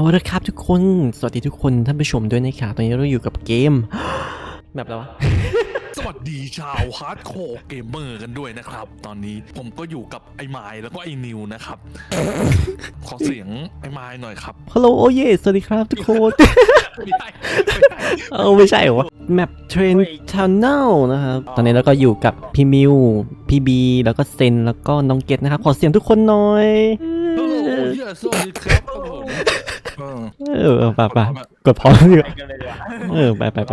ละครับทุกคนสวัสดีทุกคนท่านผู้ชมด้วยนะครับตอนนี้เราอยู่กับเกมแบบอะไรวะสวัสดีชาวฮาร์ดคอร์เกมเมอร์กันด้วยนะครับ ตอนนี้ผมก็อยู่กับไอ้ไมล์แล้วก็ไอ้นิวนะครับ ขอเสียงไอ้ไมล์หน่อยครับฮัลโหลโอเยสวัสดีครับทุกคนไม่ใช่ไม่ใช่เหรอวะแมปเทรนทันเนลนะครับตอนนี้เราก็อยู่กับพี่มิวพี่บีแล้วก็เซนแล้วก็น้องเกตนะครับขอเสียงทุกคนหน่อยฮัลโหลเยสวัสดีครับผมไปกดพอแล้วดีกว่าไป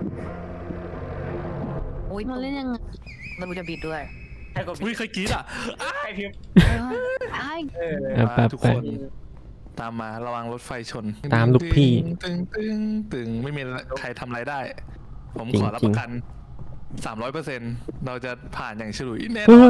อุ้ยมันเล่นยังไงเราจะบิดด้วยอุ้ยใครกรี๊ดอ่ะใครพิมพ์ไอ้ไปทุกคนตามมาระวังรถไฟชนตามลูกพี่ตึงไม่มีใครทำอะไรได้ ผมจริงขอรับประกัน 300%เราจะผ่านอย่างฉลุยแน่นเฮ้อน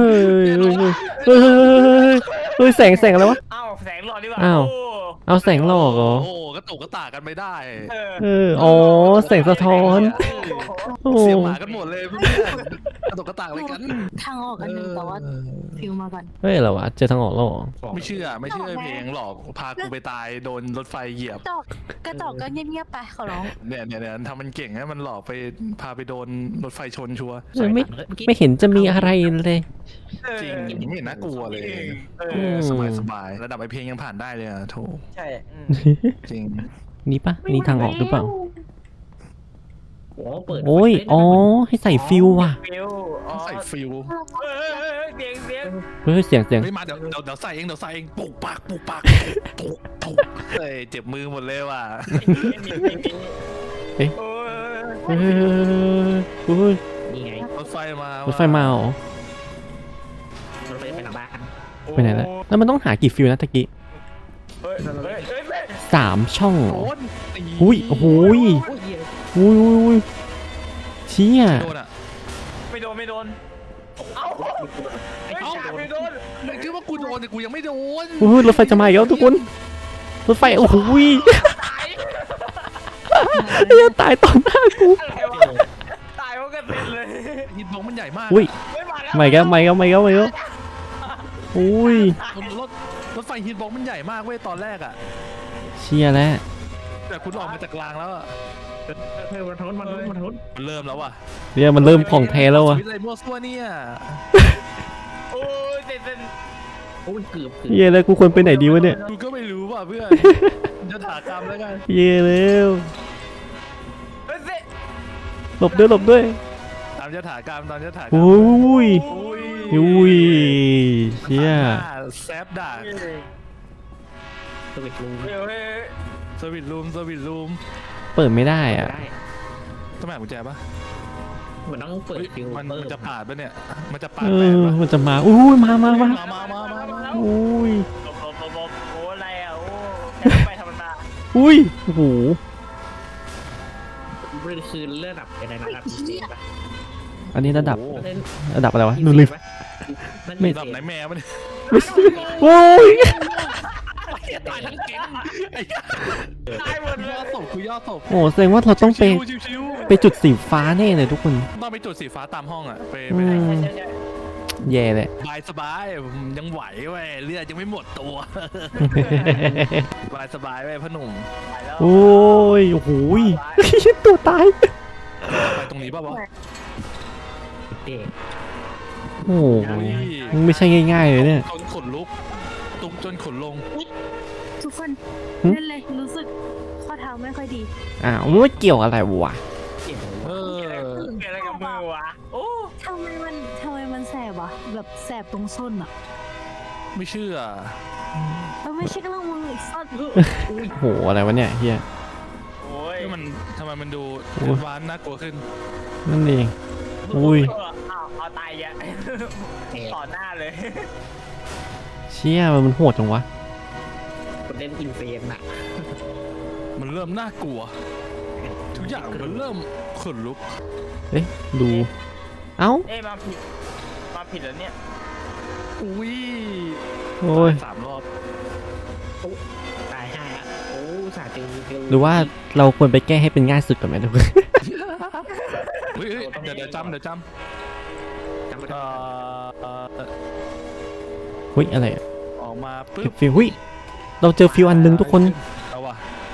ยแสงอะไรวะอ้าวแสงหลอดดีกว่าอ้าว เอาแสงหลอกเหรอโอ้กระตุกกระตากกันไม่ได้อ๋อแสงสะท้อนโอ้เสียหมากันหมดเลยเพื่อนกระตุกกระตากอะไรกันทางออกอันหนึ่งแต่ว่าฟิวมาก่อนเฮ้ยเหรอวะเจอทางออกแล้วเหรอไม่เชื่อเพลงหลอกพากูไปตายโดนรถไฟเหยียบกระจอกก็เงียบๆไปขอร้องเนี่ยทำมันเก่งนะมันหลอกไปพาไปโดนรถไฟชนชัวร์ไม่เห็นจะมีอะไรเลยจริงไม่เห็นน่ากลัวเลย สบายระดับไอเพลงยังผ่านได้เลยอะโถใช่จริงนี่ปะนี่ทางออกหรือเปล่าโอ้เปิดโอ้ยอ๋อให้ใส่ฟิวว่ะฟิวอ๋อใส่ฟิลเสียงเฮ้ยเสียงไม่มาเดี๋ยวใส่เองปุกปากปุกเฮ้ยเจ็บมือหมดเลยว่ะเฮ้ยนี่ไงรถไฟมารถไฟมาเหรอรถไฟไปหลังบ้านไปไหนแล้วแล้วมันต้องหากี่ฟิวนะตะกี้เฮ้ย 3 ช่องเหรอโดนอุ้ยโอ้โหอุ้ยเชี่ยโดนอ่ะไม่โดนเอ้าไม่โดนคิดว่ากูโดนแต่กูยังไม่โดนอุ้ยรถไฟจะมาอีกแล้วทุกคนรถไฟโอ้โหตายต่อหน้ากูอะไรวะตายเพราะกระเซ็นเลยฮิตบ็อกมันใหญ่มากอุ้ยไม่มาแล้วไม่ก็อุ้ยรถไฟฮิตบ็อกมันใหญ่มากเว้ยตอนแรกอ่ะเชี่ยแล้วแต่คุณออกมาจากรางแล้วอ่ะมันทุนมันเริ่มแล้วอ่ะเนี่ยมันเริ่มของแท้แล้ววะวิทย์อะไรมั่วซั่วเนี่ยโอ้ยเซ็นโอ้ยเกือบเหี้ยแล้วกูควรไปไหนดีวะเนี่ยกูก็ไม่รู้ว่ะเพื่อนจะถากรรมแล้วกันเหี้ยแล้วเฮ้ยเซ็นหลบด้วยตามจะถากรรมตามจะถากรรมอุ้ยอุ้ยเชี่ยแซฟด่าสวิตช์รูมเฮ้ยสวิตรูมเปิดไม่ได้อ่ะได้ต้องแม่กุญแจปะมันต้องเปิดเฮ้ยฟิวมันเปิดจะปาดปะเนี่ยมันจะปาดเอแปดอปะมันจะมาอุ้ยมามาอุ้ยลบโอ้อะไรอ่ะโอ้จะไปธรรมดาอุ้ยโอ้โหมันคือเลือดดับอะไรนะครับเจ็บปะอันนี้ระดับโอ้โหเล่นระดับอะไรวะนูริฟไม่ระดับไหนแม่มันยโอ้ยตายทั้งเก่งไอ้ตายหมดเลยย่อศพคือย่อศพโอ้แสดงว่าเราต้องไปชิวไปจุดสีฟ้าแน่เลยทุกคนๆต้องไปจุดสีฟ้าตามห้องอ่ะไปอืมใช่แย่เลยสบายผมยังไหวเว้ยเลือดยังไม่หมดตัวสบายเว้ยพ่อหนุ่มไปแล้วโอ้ยโอ้โหตัวตายไปตรงนี้ป่ะวะเด็กโอ้โหไม่ใช่ง่ายๆเลยเนี่ยจนขนลุกตุกจนขนลงทุกคนหึเล่นเลยรู้สึกข้อเท้าไม่ค่อยดีอ้าวมันเกี่ยวอะไรวะเจ็บเออเกิดอะไรกับมือวะโอ้ทำไมมันแสบวะแบบแสบตรงส้นอ่ะไม่เชื่อมันไม่ใช่กระมืออีกส้นโอ้โหอะไรวะเนี่ยเฮียโอ้ยมันทำไมมันดูหวานน่ากลัวขึ้นนั่นเองอุ้ยเอาตายอ่ะต่อหน้าเลยเชี่ยมันโหดจังวะคนเล่นอินเฟนอะมันเริ่มน่ากลัว ทุกอย่างมันเริ่มขนลุกเอ๊ะดูเอ้าเอ้มาผิดแล้วเนี่ยอุ้ยโอ้ย 3 รอบตายห้าโอ้สาตีหรือว่าเราควรไปแก้ให้เป็นง่ายสุดก่อนไหมทุกคนเฮ้ยเดี๋ยวจำจำไม่เอ่ได้เฮ้ยอะไรอะออกมาปึ๊บฟิวเฮ้ยเราเจอฟิวอันหนึงทุกคนเอาว่ะ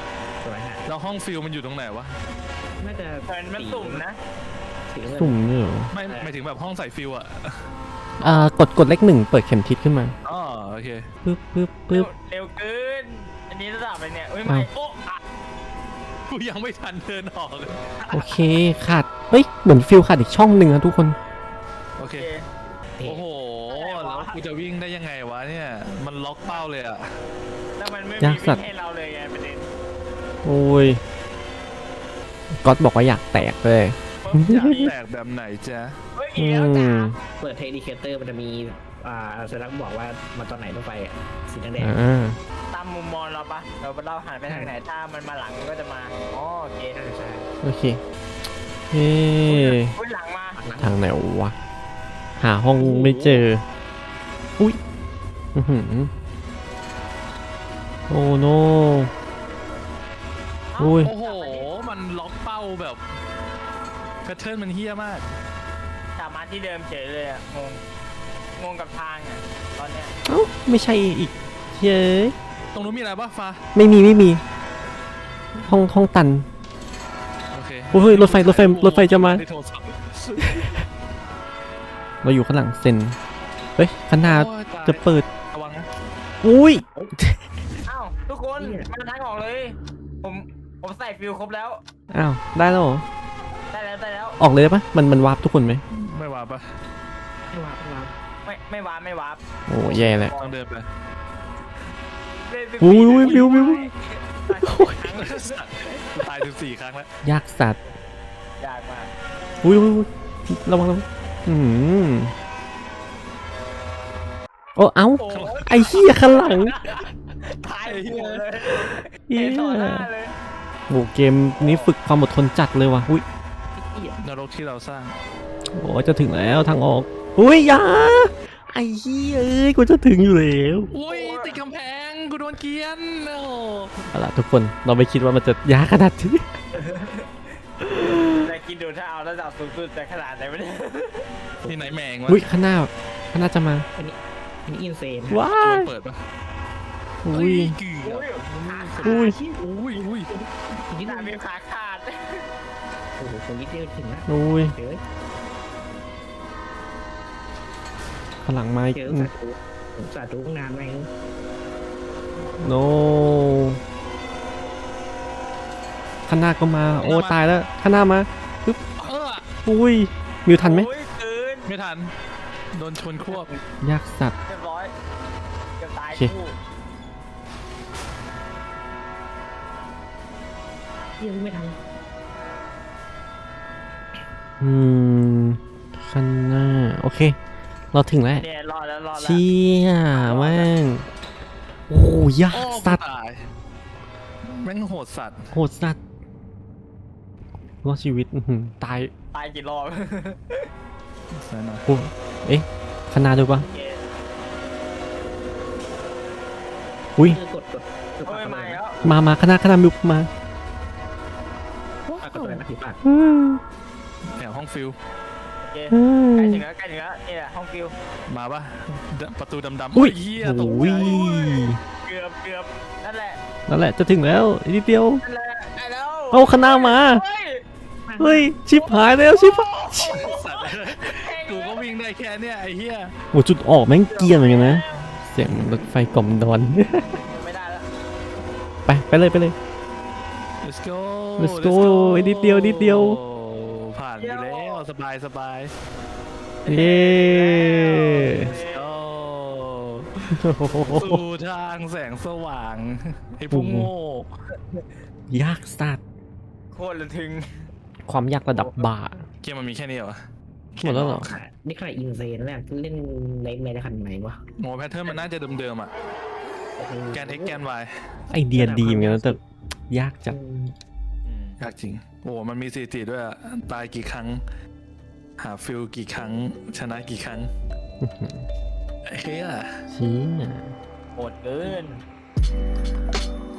ห้องฟิลมันอยู่ตรงไหนวะน่าจะมันสุ่มนะสีเงินสุ่มเนี่ยเหรอไม่ถึงแบบห้องใส่ฟิลอะกดเลขหนึ่งเปิดเข็มทิศขึ้นมาอ๋อโอเคปึ๊บปึ๊บปึ๊บเร็วเกิน อันนี้ระดับอะไรเนี่ยเอ้ยไม่อ้าวโอ้อะกูยังไม่ทันเดินออกเลยโอเคขาดเฮ้ยเหมือนฟิลขาดอีกช่องหนึ่งนะทุกคนโอโอเคเคโอ้โหแล้วกูจะวิ่งได้ยังไงวะเนี่ยมันล็อกเป้าเลยอะแล้วมันไม่ยามีกสัตว์วิ่งให้เราเลยไงประเด็นโอ้ยก๊อตบอกว่าอยากแตกเลยอยากแตกแบบไหนจ๊ะเฮ้ยอือีกแล้วจ้ามเปิดเทคนิเคเตอร์มันจะมีสัญลักษณ์บอกว่ามาตอนไหนต้องไปอะสีแดงอ่าตามมุมมองเราปะเราหันไปทางไหนถ้ามันมาหลังมันก็จะมาอ๋อโอเคๆใช่โอเคเฮ้อุ้ยหลังมาทางไหนวะหาห้องไม่เจออุ้ยอื้อหือโอ้โน อุ้ยโอ้โหมันล็อกเป้าแบบแพทเทิร์นมันเฮี้ยมากกลับมาที่เดิมเฉยเลยอะงงกับทางอะตอนเนี้ยเอ้าไม่ใช่อีกเย้ยตรงนู้นมีอะไรปะฟ้าไม่มีห้องตันโอเคโอ้ยรถไฟจะมาในโทรศัพท์เราอยู่ข้างหลังเซนเฮ้ยข้างหน้าโอ้ยตายจะเปิดระวังนะอุ้ยอ้าวทุกคนมาทางออกเลย ผมใส่ฟิลครบแล้วอ้าวได้แล้วเหรอได้แล้วออกเลยได้ปะมันวาร์ปทุกคนไหมไม่ว่าปะไม่ว่าไม่วาร์ปโอ้แย่แหละต้องเดินไปเล่นสิบอุ้ยปีวิวครั้งตาย14 ครั้งแล้วยากสัตว์ยากมากอุ้ยระวังอืมโอ้เอ้าโอ้ยไอ้เหี้ยข้างหลังตายหัวเลยเหี้ยเห็นต่อหน้าเลยโอ้เกมนี้ฝึกความอดทนจัดเลยว่ะอุ้ยนรกที่เราสร้างโอ้จะถึงแล้วทางออกอุ้ยอยาไอ้เหี้ยเอ้ยกูจะถึงอยู่แล้วอุ้ยติดกำแพงกูโดนเกรียนโอ้เอาล่ะทุกคนเราไม่คิดว่ามันจะยากขนาดนี้แต่กินดูถ้าเอาระดับสูงสุดจะขนาดไหนไม่ได้ที่ไหนแมงวะอุ้ยข้างหน้าจะมาอันนี้อินเซนว้าตัวยเปิดปะอุ้ยเกือบอุ้ยอุ้ยนิดตามีขาขาดโอ้โหคนนิดเดียวถึงนะอุ้ยเดี๋ยวข้างหลังมาอีกเจอสาธุงานไหมโนข้างหน้าก็มาโอ้ตายแล้วข้างหน้ามาเอออุ้ยมิวทันไหมโอ้ยเกินไม่ทันโดนชนควบ Dạ. ยากสัตว์เรียบร้อยเกือบตายโอเคคู่ยังไม่ทันข้างหน้าโอเค เราถึงแล้วเนี่ยรอดแล้วเชี่ยแม่งโอ้ยากโอ้สัตว์ตายแม่งโหดสัตว์โหดสัตว์รอดชีวิตอื้อหือตายตายกี่รอบนั่นนะโอ้เอ๊ะข้างหน้าด้วยปะโอเคอุ้ยกดโอ้ยมาแล้วมาข้างหน้ามิวมากดอะไรนะผิดปากอืมแถวห้องฟิลโอเคอืมใกล้ถึงแล้วนี่แหละห้องฟิลมาปะประตูดำๆอุ้ยเฮียโอตกใจ้ยเกือบนั่นแหละนั่นแหละจะถึงแล้วอีกนิดเดียวนั่นแหละได้แล้วเอาข้างหน้ามาเฮ้ยเฮ้ยชิบหายแล้วชิบหายสัตว์กูก็วิ่งได้แค่เนี้ยไอ้เฮียโอ้จุดออกแม่งเกรียนเหมือนกันนะเสียงรถไฟกล่อมดอนไม่ได้แล้วไปเลย let's go Let's go นิดเดียวผ่านไปแล้วสบายเย้ let's go สู่ทางแสงสว่างไอ้พวกโง่ยากสัตว์โคตรระทึงความยากระดับบ่าเกมมันมีแค่นี้เหรอหมดแล้วเหรอนี่ใครอินเซนแรกเล่นในขนาดไหนวะโง่แพทเทิร์นมันน่าจะเดิมๆอ่ะแกน x แกน y ไอเดียดีเหมือนกันนะแต่ยากจัดยากจริงโอ้มันมีสถิติด้วยอะตายกี่ครั้ง หาฟิลกี่ครั้ง ชนะกี่ครั้งเฮ้ยชี้โหดเกิน